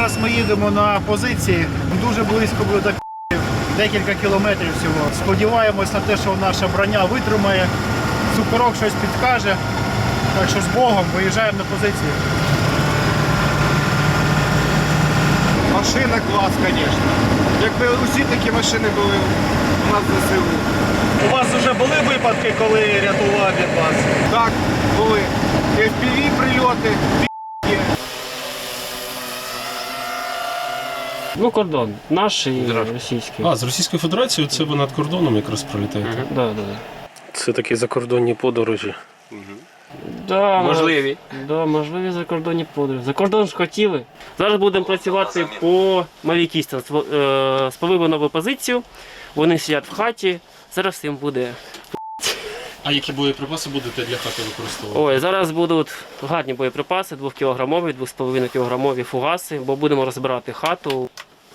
Зараз ми їдемо на позиції, дуже близько буде до декілька кілометрів всього. Сподіваємось на те, що наша броня витримає, цукорок щось підкаже. Так що з Богом виїжджаємо на позиції. Машина клас, звісно. Якби усі такі машини були у нас в ЗСУ. У вас вже були випадки, коли рятував від вас? Так, були. FPV прильоти, є. Ну, кордон. Наш і російський. А, з Російською Федерацією це ви над кордоном якраз пролітаєте? Да. Це такі закордонні подорожі. Да, Можливі. Да, можливі закордонні подорожі. За кордон ж хотіли. Зараз будемо працювати по мавікістам. Сповили нову позицію, вони сидять в хаті, зараз їм буде. А які боєприпаси будете для хати використовувати? Ой, зараз будуть гарні боєприпаси, 2-кілограмові, 2,5-кілограмові фугаси, бо будемо розбирати хату.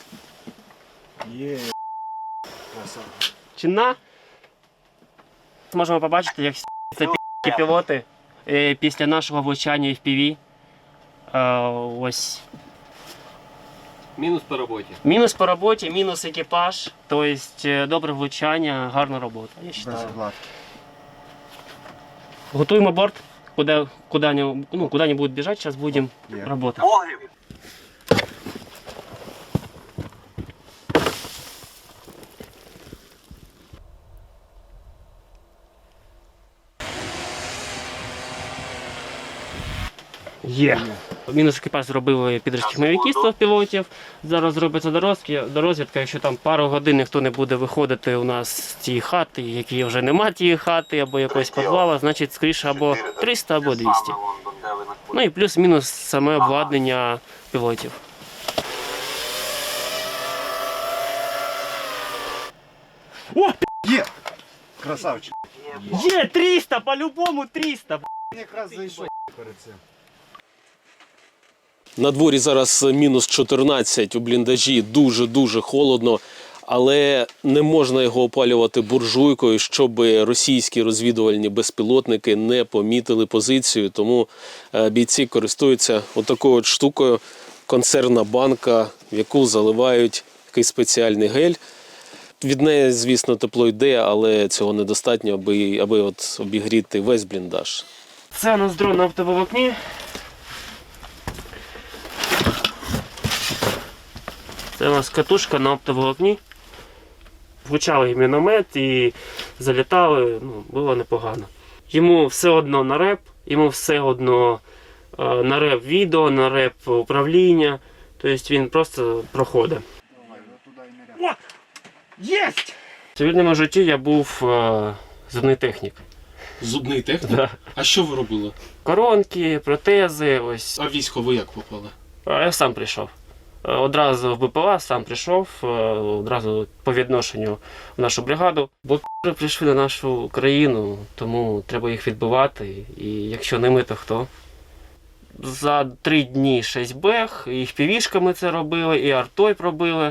Є. Чинна. Можемо побачити, як це пілоти після нашого влучання FPV. Ось. Мінус по роботі. Мінус по роботі, мінус екіпаж. Тобто добре влучання, гарна робота, я вважаю. Готуємо борт, куда они будут бежать, сейчас будем работать. Є. Мінус екіпаж зробили підручних мавікістів пілотів. Зараз зробиться дорозвідка. Якщо там пару годин ніхто не буде виходити у нас з цієї хати, які вже нема тієї хати, або якогось підвала, значить скоріше або 300, або 200. Ну і плюс-мінус саме обладнання пілотів. О, Є! Красавчик. Є 300, по-любому 300. Якраз зайшов перед цим. На дворі зараз мінус 14, у бліндажі дуже-дуже холодно, але не можна його опалювати буржуйкою, щоб російські розвідувальні безпілотники не помітили позицію. Тому бійці користуються отакою от штукою, консервна банка, в яку заливають такий спеціальний гель. Від неї, звісно, тепло йде, але цього недостатньо, аби от обігріти весь бліндаж. Це у нас дрон на оптоволокні. Це у нас катушка на оптоволокні. Влучали міномет і залітали, було непогано. Йому все одно на реп, йому все одно на реп відео, на реп управління. Тобто він просто проходить. О! Єсть! В цивільному житті я був зубний технік. Зубний технік? Да. А що ви робили? Коронки, протези, ось. А військо ви як попали? Я сам прийшов. Одразу в БПЛА сам прийшов, одразу по відношенню в нашу бригаду. Бо прийшли на нашу країну, тому треба їх відбивати. І якщо не ми, то хто? За 3 дні 6 бех, і FPV-шками це робили, і артою пробили,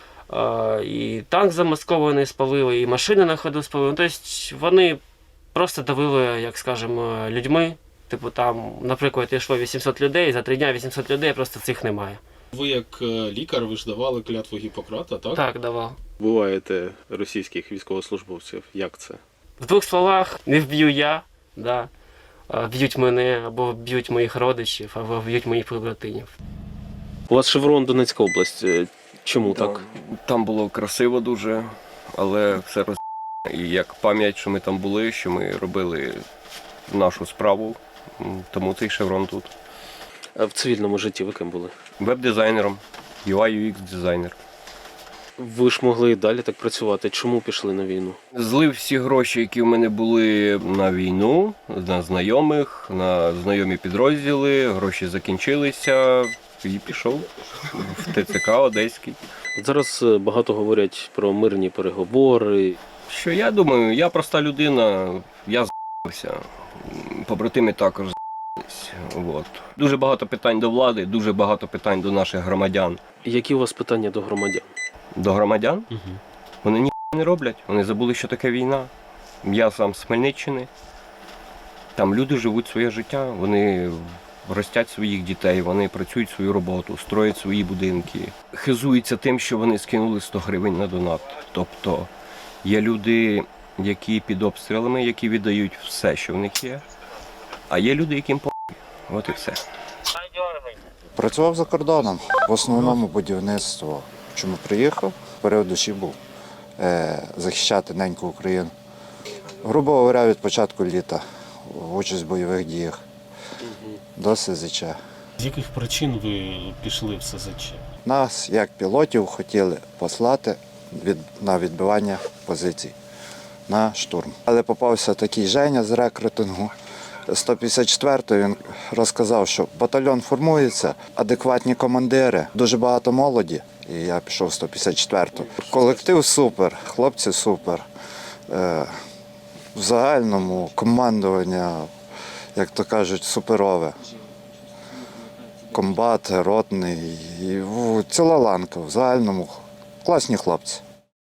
і танк замаскований спалили, і машини на ходу спалили. Тобто вони просто давили, як скажемо, людьми. Типу там, наприклад, йшло 800 людей, за 3 дні 800 людей, просто цих немає. Ви як лікар, ви ж давали клятву Гіппократа, так? Так, давав. Буваєте російських військовослужбовців. Як це? В 2 словах, не вб'ю я, да. Б'ють мене, або б'ють моїх родичів, або б'ють моїх побратимів. У вас шеврон Донецька область. Чому так? Там було красиво дуже, але все роз... І як пам'ять, що ми там були, що ми робили нашу справу, тому цей шеврон тут. А в цивільному житті ви ким були? Веб-дизайнером, UI-UX-дизайнер. Ви ж могли і далі так працювати. Чому пішли на війну? Злив всі гроші, які в мене були на війну, на знайомих, на знайомі підрозділи, гроші закінчилися і пішов в ТЦК Одеський. От зараз багато говорять про мирні переговори. Що я думаю, я проста людина, я з***ся, побратими також з***сь. От. Дуже багато питань до влади, дуже багато питань до наших громадян. Які у вас питання до громадян? До громадян? Вони ні не роблять, вони забули, що таке війна. Я сам з Хмельниччини, там люди живуть своє життя, вони ростять своїх дітей, вони працюють свою роботу, строять свої будинки, хизуються тим, що вони скинули 100 гривень на донат. Тобто є люди, які під обстрілами, які віддають все, що в них є, а є люди, яким по***й. От і все. Працював за кордоном, в основному будівництво. Чому приїхав? Період душі був захищати неньку Україну. Грубо говоря, від початку літа в участь в бойових діях до СЗЧ. З яких причин ви пішли в СЗЧ? Нас, як пілотів, хотіли послати на відбивання позицій, на штурм. Але попався такий Женя з рекрутингу 154-ї, він розказав, що батальйон формується, адекватні командири, дуже багато молоді, і я пішов в 154-ту. Колектив супер, хлопці супер. В загальному командування, як то кажуть, суперове. Комбат, ротний, і ціла ланка в загальному класні хлопці.